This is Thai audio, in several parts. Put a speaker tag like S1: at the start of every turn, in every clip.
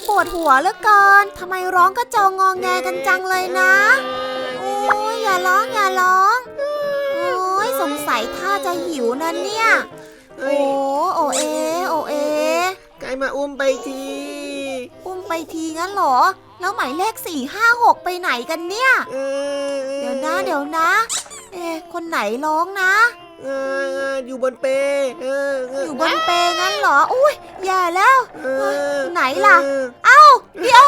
S1: ปวดหัวเหลือเกินทำไมร้องกระจองงอแงกันจังเลยนะโอ้ยอย่าร้องอย่าร้องโอ้ยสงสัยท่าจะหิวนะเนี่ยโอ้โอเอโอเอ
S2: ใกล้มาอุ้มไปที
S1: อุ้มไปทีงั้นเหรอแล้วหมายเลข456ไปไหนกันเนี่ยเดี๋ยวนะคนไหนร้องนะ
S2: อยู่บนเป
S1: อยู่บนเปงั้นเหรออุ้ยแย่แล้วไหนล่ะเอ้าเดี๋ยว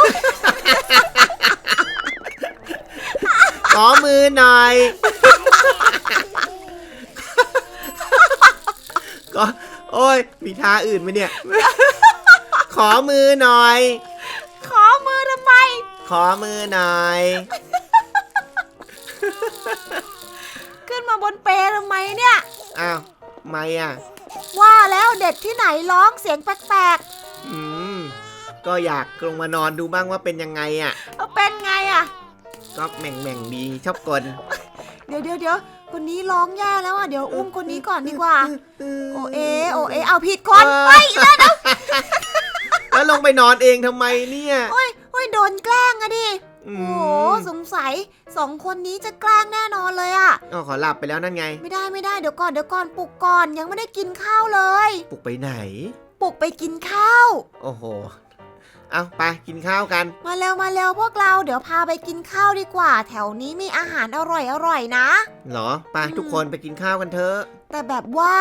S2: ขอมือหน่อยก็โอ้ยมีท่าอื่นไหมเนี่ยขอมือหน่อย
S1: ขอมือทำไม
S2: ขอมือหน่อย
S1: ขึ้นมาบนเปทำไมเนี่ย
S2: อ้าวไม่อ่ะ
S1: ว่าแล้วเด็กที่ไหนร้องเสียงแปลก
S2: ๆก็อยากลงมานอนดูบ้างว่าเป็นยังไงอ่ะ
S1: เป็นไงอ่ะ
S2: ก็แหม่งดีชอบกล
S1: เดี๋ยวคนนี้ร้องแย่แล้วอ่ะเดี๋ยวอุ้มคนนี้ก่อนดีกว่าโอเอเอาผิดคนไป
S2: แล้วลงไปนอนเองทำไมเนี่ย
S1: โอ้ยโดนแกล้งอะดิโอ้สงสัย2คนนี้จะแกล้งแน่นอนเลยอ่ะ
S2: ขอหลับไปแล้วนั่นไง
S1: ไม่ได้เดี๋ยวก่อนปลุกก่อนยังไม่ได้กินข้าวเลย
S2: ปลุกไปไหน
S1: ปลุกไปกินข้าว
S2: โอ้โหเอาไปกินข้าวกัน
S1: มาเร็วพวกเราเดี๋ยวพาไปกินข้าวดีกว่าแถวนี้มีอาหารอร่อยนะ
S2: เหรอไปทุกคนไปกินข้าวกันเถอะ
S1: แต่แบบว่า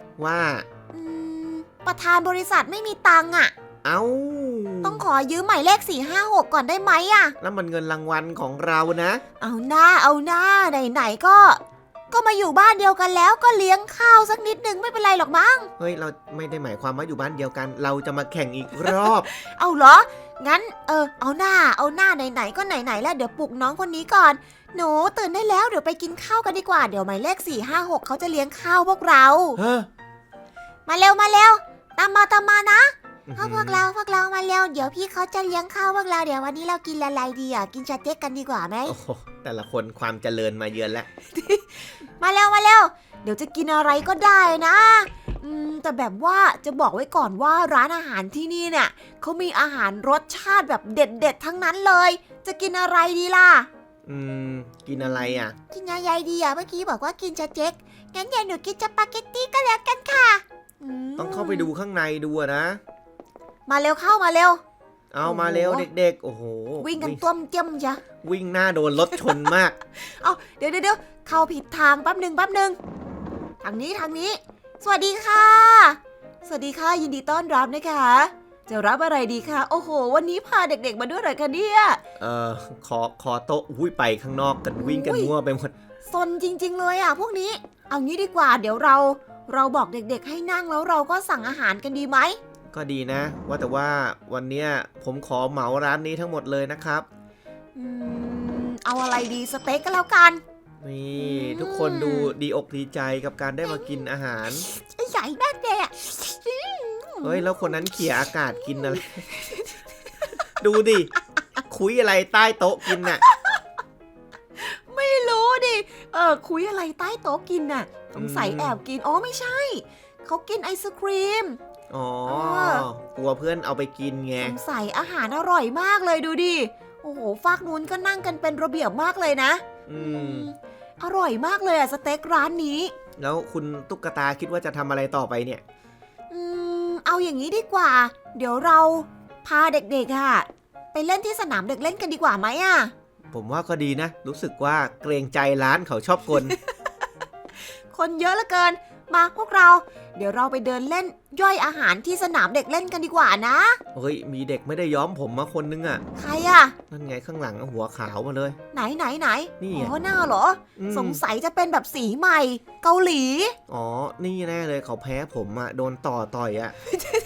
S1: ประธานบริษัทไม่มีตังค์อ่ะต้องขอยืมหมายเลข456ก่อนได้ไหมอ่ะ
S2: แล้วมันเงินรางวัลของเรานะ
S1: เอาหน้าไหนก็มาอยู่บ้านเดียวกันแล้วก็เลี้ยงข้าวสักนิดนึงไม่เป็นไรหรอกมั้ง
S2: เฮ้ยเราไม่ได้หมายความว่าอยู่บ้านเดียวกันเราจะมาแข่งอีกรอบ
S1: เอาเหรองั้นเอาหน้าไหนก็ไหนแล้วเดี๋ยวปลุกน้องคนนี้ก่อนหนูตื่นได้แล้วเดี๋ยวไปกินข้าวกันดีกว่าเดี๋ยวหมายเลข456เขาจะเลี้ยงข้าวพวกเรามาเร็วตามมานะพวกเรามาเร็วเดี๋ยวพี่เขาจะเลี้ยงข้าวพวกเราเดี๋ยววันนี้เรากินอะไรดีอ่ะกินสเต็กกันดีกว่าไหม
S2: โอ้โหแต่ละคนความเจริญมาเยือนแล้ว
S1: มาเร็วเดี๋ยวจะกินอะไรก็ได้นะแต่แบบว่าจะบอกไว้ก่อนว่าร้านอาหารที่นี่เนี่ยเขามีอาหารรสชาติแบบเด็ดทั้งนั้นเลยจะกินอะไรดีล่ะ
S2: กินอะไรอ่ะ
S1: กินอะไรดีอ่ะเมื่อกี้บอกว่ากินสเต็กงั้นเดี๋ยวหนูกินสปาเกตตี้ก็แล้วกันค่ะ
S2: ต้องเข้าไปดูข้างในดูนะ
S1: มาเร็วเข้ามาเร็ว
S2: เอามาเร็วเด็กๆโอ้โห
S1: วิ่งกันต้มเจ้มจ้ะ
S2: วิ่งหน้าโดนรถชนมาก
S1: เอาเดี๋ยวเข้าผิดทางแป๊บหนึ่งทางนี้สวัสดีค่ะยินดีต้อนรับนะคะจะรับอะไรดีคะโอ้โหวันนี้พาเด็กๆมาด้วยเหรอคะเนี่ย
S2: ขอโต๊ะไปข้างนอกกันวิ่งกันมั่วไปหมด
S1: ซนจริงๆเลยอ่ะพวกนี้เอางี้ดีกว่าเดี๋ยวเราบอกเด็กๆให้นั่งแล้วเราก็สั่งอาหารกันดีไหม
S2: ก็ดีนะว่าแต่ว่าวันเนี้ยผมขอเหมาร้านนี้ทั้งหมดเลยนะครับ
S1: เอาอะไรดีสเต็กก็แล้วกัน
S2: นี่ทุกคนดูดีอกดีใจกับการได้มากินอาหาร
S1: ใหญ่มากเลยอ่ะ
S2: เฮ้ยแล้วคนนั้นเขี่ยอากาศกินอะไร ดูดิคุยอะไรใต้โต๊ะกินน่ะ
S1: ไม่รู้ดิคุยอะไรใต้โต๊ะกินน่ะสงสัยแอบกินอ๋อไม่ใช่เขากินไอศครีม
S2: กลัวเพื่อนเอาไปกินไง
S1: สงสัยอาหารอร่อยมากเลยดูดิโอ้โหฝากนู้นก็นั่งกันเป็นระเบียบมากเลยนะอร่อยมากเลยอะสเต็กร้านนี้
S2: แล้วคุณตุ๊กตาคิดว่าจะทำอะไรต่อไปเนี่ย
S1: เอาอย่างนี้ดีกว่าเดี๋ยวเราพาเด็กๆอะไปเล่นที่สนามเด็กเล่นกันดีกว่าไหมอะ
S2: ผมว่าก็ดีนะรู้สึกว่าเกรงใจร้านเขาชอบคน
S1: คนเยอะเหลือเกินมาพวกเราเดี๋ยวเราไปเดินเล่นย่อยอาหารที่สนามเด็กเล่นกันดีกว่านะ
S2: เฮ้ยมีเด็กไม่ได้ย้อมผมมาคนนึงอ่ะ
S1: ใครอ่ะ
S2: นั่นไงข้างหลังหัวขาวมาเลย
S1: ไหน
S2: นี่
S1: อ๋อหน้าเหรอสงสัยจะเป็นแบบสีใหม่เกาหลี
S2: อ๋อนี่แน่เลยเขาแพ้ผมอ่ะโดนต่อยอ่ะ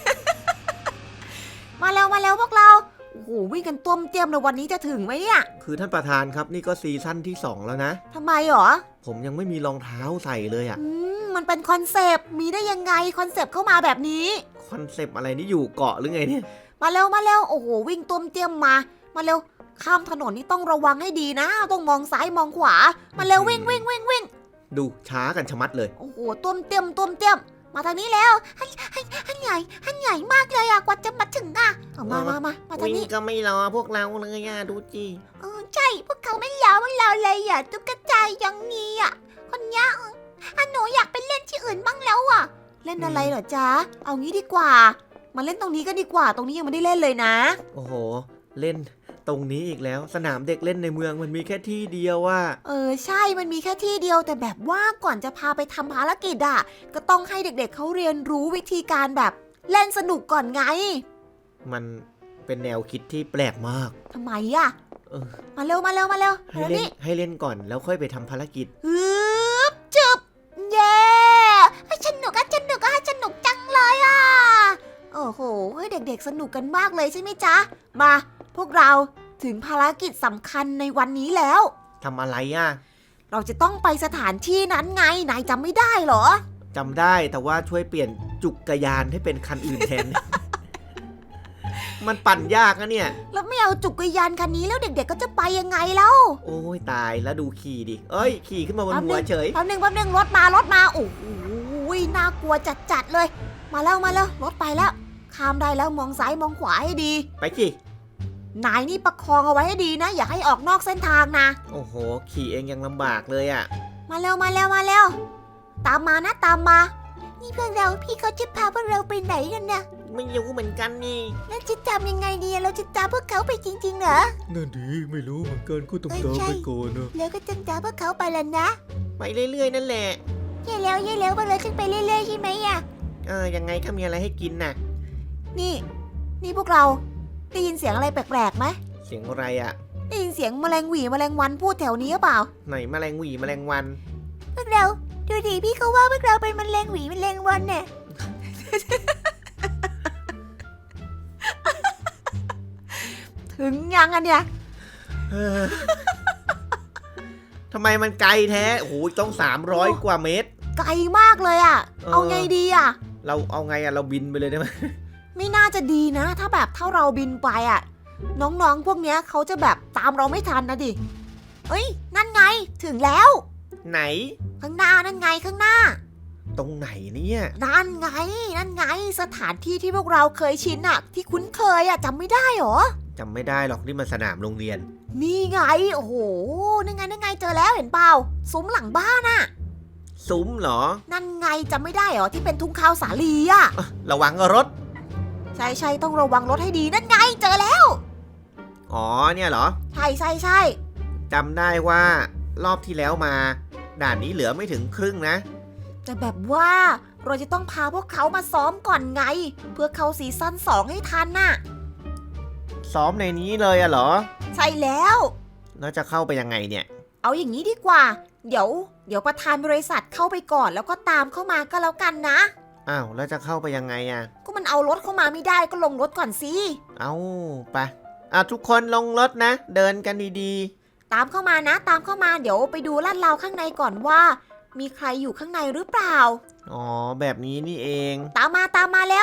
S1: มาแล้วพวกเราโอ้โหวิ่งกันต้มเตี้ยมเลยวันนี้จะถึงไหมเนี่ย
S2: คือท่านประธานครับนี่ก็ซีซั่นที่2แล้วนะ
S1: ทำไมหรอ
S2: ผมยังไม่มีรองเท้าใส่เลยอ่ะ
S1: มันเป็นคอนเซปต์มีได้ยังไงคอนเซปต์เข้ามาแบบนี้
S2: คอนเซปต์อะไรนี่อยู่เกาะหรือไงเนี่ย
S1: มาเร็วโอ้โหวิ่งต้มเตี้ยมมาเร็วข้ามถนนนี่ต้องระวังให้ดีนะต้องมองซ้ายมองขวามาเร็ววิ่ง
S2: ดูช้ากันชะมัดเลย
S1: โอ้โหต้มเตี้ยมมาทางนี้แล้วหันใหญ่มากเลยอะกว่าจะมาถึงอะมาทาง
S2: วิ่ง
S1: นี้
S2: ก็ไม่รอพวกเราเลยอะดูจี
S1: ใช่พวกเขาไม่ยอมพวกเราเลยอ่ะตุ๊กตาอย่างนี้อ่ะคนเนี้ยหนูอยากไปเล่นที่อื่นบ้างแล้วอ่ะ เล่นอะไรเหรอจ๊ะเอางี้ดีกว่า มาเล่นตรงนี้ก็ดีกว่า ตรงนี้ยังไม่ได้เล่นเลยนะ
S2: โอ้โห เล่นตรงนี้อีกแล้ว สนามเด็กเล่นในเมืองมันมีแค่ที่เดียวอะ
S1: ใช่มันมีแค่ที่เดียวแต่แบบว่าก่อนจะพาไปทำภารกิจอ่ะก็ต้องให้เด็กๆเขาเรียนรู้วิธีการแบบเล่นสนุกก่อนไง
S2: มันเป็นแนวคิดที่แปลกมาก
S1: ทำไมอ่ะ
S2: เออ
S1: มาเร็วมาเร็วมาเร็ว
S2: ให้เล่นให้เล่นก่อนแล้วค่อยไปทำภารกิจ
S1: ฮึบจึบเย้ให้สนุกก็สนุกก็ให้สนุกจังเลยอ่ะโอ้โหให้เด็กๆสนุกกันมากเลยใช่ไหมจ๊ะมาพวกเราถึงภารกิจสำคัญในวันนี้แล้ว
S2: ทำอะไรอะ
S1: เราจะต้องไปสถานที่นั้นไงนายจำไม่ได้เหรอ
S2: จำได้แต่ว่าช่วยเปลี่ยนจุกกระยานให้เป็นคันอื่นแทน มันปั่นยากนะเนี่ย
S1: แล้วไม่เอาจักรยานคันนี้แล้วเด็กๆก็จะไปยังไงแล้ว
S2: โอ้ยตายแล้วดูขี่ดิ เอ้ย ขี่ขึ้นมาบนหัวเฉย
S1: แป๊บนึงรถมโอ้โหน่ากลัวจัดๆเลย มาแล้วรถไปแล้วข้ามได้แล้วมองซ้ายมองขวาให้ดี
S2: ไปสิ
S1: นายนี่ประคองเอาไว้ให้ดีนะ อย่าให้ออกนอกเส้นทางนะ
S2: โอ้โห ขี่เองยังลำบากเลยอะ
S1: มาเร็วตามมานะตามมา นี่เพื่อนเราพี่เขาจะพาพวกเราไปไหนกันเนี่ย
S2: ไม่รู้เหมือนกันนี่
S1: แล้วจะจำยังไงดีเราจะตามพวกเขาไปจริงๆเหรอ
S3: นั่นดีไม่รู้เหมือนกันก็ต้อง
S1: เอ้ย
S3: ตาม
S1: ใช่
S3: ไปก่อนนะ
S1: แล้วก็จะตามพวกเขาไปแล้วนะ
S2: ไปเรื่อยๆนั่นแหละ
S1: เย่แล้วพวกเราจะไปเรื่อยๆใช่ไหมอะ
S2: ยังไงก็มีอะไรให้กินน่ะ
S1: นี่พวกเราได้ยินเสียงอะไรแปลกๆไหม
S2: เสียงอะไรอะ
S1: ได้ยินเสียงแมลงหวีแมลงวันพูดแถวนี้หรือเปล่า
S2: ไหนแมลงหวีแมลงวัน
S1: พวกเราดูดิพี่เขาว่าพวกเราเป็นแมลงหวีแมลงวันเนี่ย ถึงยังอันเนี่ย
S2: ทำไมมันไกลแท้โอ้โหต้อง300 กว่าเมตร
S1: ไกลมากเลยอ่ะ เอาไงดีอ่ะ
S2: เราเอาไงอะเราบินไปเลยได้ไหม
S1: ไม่น่าจะดีนะ ถ้าเราบินไปอ่ะ น้องๆพวกเนี้ยเขาจะแบบตามเราไม่ทันนะดิเอ้ยนั่นไงถึงแล้ว
S2: ไหน
S1: ข้างหน้านั่นไงข้างหน้า
S2: ตรงไหนเนี่ย
S1: นั่นไงสถานที่ที่พวกเราเคยชินอะที่คุ้นเคยอะจำไม่ได้หรอ
S2: จำไม่ได้หรอกนี่มันสนามโรงเรียน
S1: นี่ไงโอ้โหนั่นไงเจอแล้วเห็นเปล่าซุ้มหลังบ้านอะ
S2: ซุ้มเหรอ
S1: นั่นไงจำไม่ได้หรอที่เป็นทุ่งข้าวสาลีอะ
S2: ระวังรถ
S1: ใช่ต้องระวังรถให้ดีนั่นไงเจอแล้ว
S2: อ๋อเนี่ยเหรอ
S1: ใช่
S2: จำได้ว่ารอบที่แล้วมา ด่านนี้เหลือไม่ถึงครึ่งนะ
S1: แต่แบบว่าเราจะต้องพาพวกเขามาซ้อมก่อนไง เพื่อเข้าซีซั่น2ให้ทันน่ะ
S2: ซ้อมในนี้เลยอะเหรอ
S1: ใช่แล้ว
S2: แล้วจะเข้าไปยังไงเนี่ย
S1: เอาอย่างนี้ดีกว่า เดี๋ยวประธานบริษัทเข้าไปก่อนแล้วก็ตามเข้ามาก็แล้วกันนะ
S2: อ้าวแล้วจะเข้าไปยังไงอะ
S1: ก็มันเอารถเข้ามาไม่ได้ก็ลงรถก่อนสิ
S2: เอาไปทุกคนลงรถนะ เดินกันดี
S1: ตามเข้ามานะ ตามเข้ามาเดี๋ยวไปดูลาดราวข้างในก่อนว่า มีใครอยู่ข้างในหรือเปล่า
S2: ๆ อ๋อแบบนี้นี่เอง
S1: ตามมาเร็ว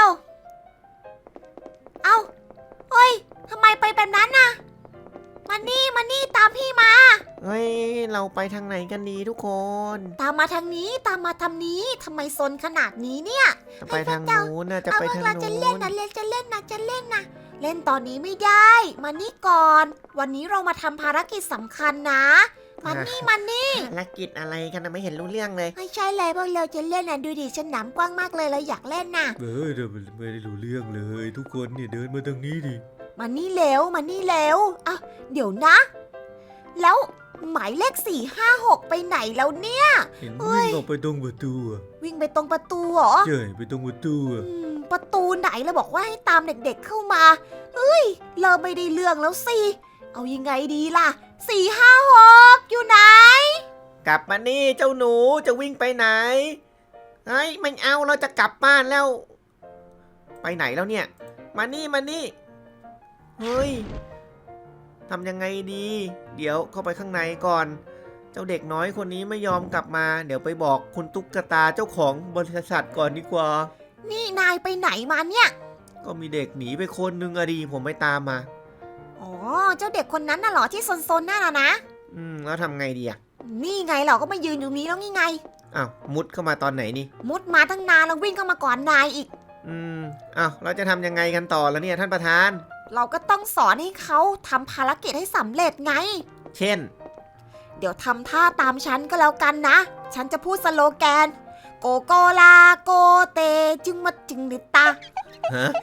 S1: เอาเฮ้ยทำไมไปแบบนั้นน่ะมานี่ตามพี่มา
S2: เฮ้ยเราไปทางไหนกันดีทุกคน
S1: ตามมาทางนี้ทำไมซนขนาดนี้เนี่ย
S2: จะไปทางนู้นนะจะไปทาง
S1: เราจะ
S2: นู้
S1: เล่น
S2: น
S1: นะจะเล่นนะเล่นตอนนี้ไม่ได้ มานี่ก่อน วันนี้เรามาทำภารกิจสำคัญนะมานี่
S2: ภารกิจอะไรกันนะไม่เห็นรู้เรื่องเลย
S1: ไม่ใช่เลยพวกเราจะเล่นนะดูดิสนามกว้างมากเลยเราอยากเล่นน่ะ
S3: เดี๋ยวไม่ได้รู้เรื่องเลย ทุกคนเนี่ยเดินมาทางนี้ดิ
S1: มานี่เร็วอ้าวเดี๋ยวนะ แล้วหมายเลข456ไปไหนแล้วเนี่ย
S3: เห็น
S1: เฮ้ย
S3: วิ่งออกไปตรงประตูอะ
S1: วิ่งไปตรงประตูเหรอ
S3: ใช่ไปตรงประตูอะ
S1: ประตูไหนเราบอกว่าให้ตามเด็กๆเข้ามาเฮ้ยเริ่มไม่ได้เรื่องแล้วสิเอายังไงดีล่ะ456อยู่ไหน
S2: กลับมานี่เจ้าหนูจะวิ่งไปไหนเฮ้ยไม่เอาเราจะกลับบ้านแล้ว ไปไหนแล้วเนี่ย มานี่เฮ้ยทำยังไงดี เดี๋ยวเข้าไปข้างในก่อน เจ้าเด็กน้อยคนนี้ไม่ยอมกลับมา เดี๋ยวไปบอกคุณตุ๊กตาเจ้าของบริษัทก่อนดีกว่า
S1: นี่นายไปไหนมาเนี่ย
S2: ก็มีเด็กหนีไปคนนึงอะดีผมไปตามมา
S1: อ๋อเจ้าเด็กคนนั้นน่ะเหรอที่ซนๆนั่นน่ะนะ
S2: แล้วทำไงดีอะ
S1: นี่ไงเราก็มายืนอยู่นี้แล้วนี่ไง
S2: อ้าวมุดเข้ามาตอนไหนนี่
S1: มุดมาตั้งนานแล้ววิ่งเข้ามาก่อนนายอีก
S2: อ้าวเราจะทำยังไงกันต่อแล้วเนี่ยท่านประธาน
S1: เราก็ต้องสอนให้เขาทำภารกิจให้สำเร็จไง
S2: เช่น
S1: เดี๋ยวทำท่าตามฉันก็แล้วกันนะ ฉันจะพูดสโลแกน โกโกลาโกเตจึงมาจึงนิตา
S2: ฮะ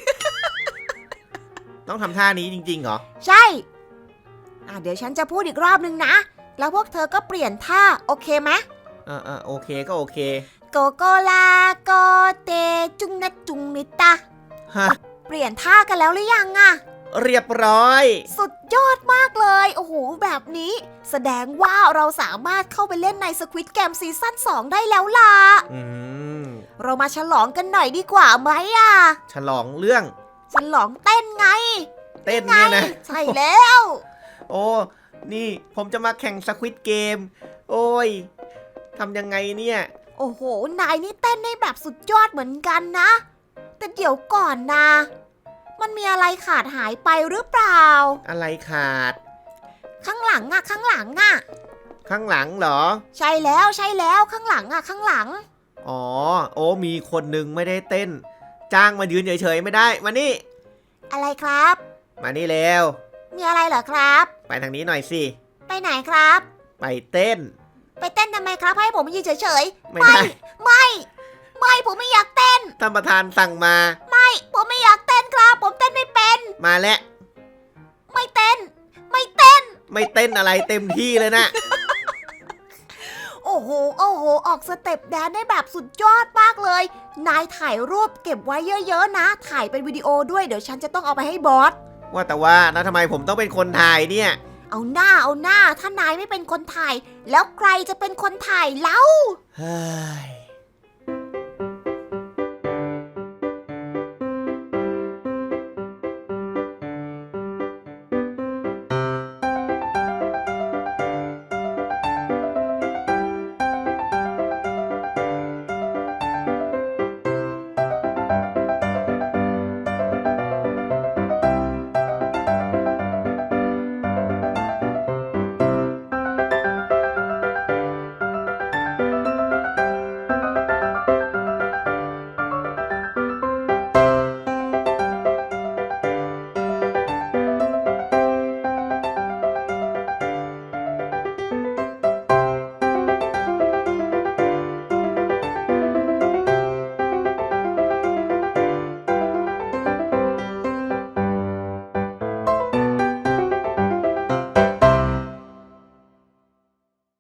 S2: ต้องทำท่านี้จริงๆเหรอ
S1: ใช่เดี๋ยวฉันจะพูดอีกรอบนึงนะ แล้วพวกเธอก็เปลี่ยนท่าโอเคไหม
S2: โอเคก็โอเค
S1: โกโกลาโกเตจุงนะจุงนิตา
S2: ฮะ
S1: เปลี่ยนท่ากันแล้วหรือยังอะ
S2: เรียบร้อย
S1: สุดยอดมากเลย โอ้โห แบบนี้ แสดงว่าเราสามารถเข้าไปเล่นใน Squid Game ซีซั่น2ได้แล้วล่ะ
S2: อืม
S1: เรามาฉลองกันหน่อยดีกว่าไหมอะ
S2: ฉลองเรื่อง
S1: ฉลองเต้นไง
S2: เต้นเนี่ยนะ
S1: ใช่แล้ว
S2: โอ้ นี่ผมจะมาแข่งสควิดเกม โอ้ย ทำยังไงเนี่ย
S1: โอ้โห นายนี่เต้นได้แบบสุดยอดเหมือนกันนะ แต่เดี๋ยวก่อนนะ มันมีอะไรขาดหายไปหรือเปล่า
S2: อะไรขาด
S1: ข้างหลังอะข้างหลังอะ
S2: ข้างหลังเหรอ
S1: ใช่แล้วใช่แล้วข้างหลังอะข้างหลัง
S2: อ๋อ โอ้ มีคนหนึ่งไม่ได้เต้น จ้างมายืนเฉยๆไม่ได้ มานี่
S1: อะไรครับ
S2: มานี่เร็ว
S1: มีอะไรเหรอครับ
S2: ไปทางนี้หน่อยสิ
S1: ไปไหนครับ
S2: ไปเต้น
S1: ไปเต้นทำไมครับ ให้ผมยืนเฉย
S2: ไม่ได้
S1: ๆ ไม่ผมไม่อยากเต้น
S2: ท่านประธานสั่งมา
S1: ผมไม่อยากเต้นครับ ผมเต้นไม่เป็น
S2: มาแล้ว
S1: ไม่เต้น ไม่เต้น
S2: ไม่เต้นอะไรเต็มที่เลยนะ
S1: โอ้โห โอ้โห ออกสเต็ปแดนได้แบบสุดยอดมากเลย นายถ่ายรูปเก็บไว้เยอะๆนะ ถ่ายเป็นวิดีโอด้วย เดี๋ยวฉันจะต้องเอาไปให้บอส
S2: ว่าแต่ว่านะทำไมผมต้องเป็นคนถ่ายเนี่ย
S1: เอาหน้า ถ้านายไม่เป็นคนถ่าย แล้วใครจะเป็นคนถ่ายเล่า
S2: เฮ้ย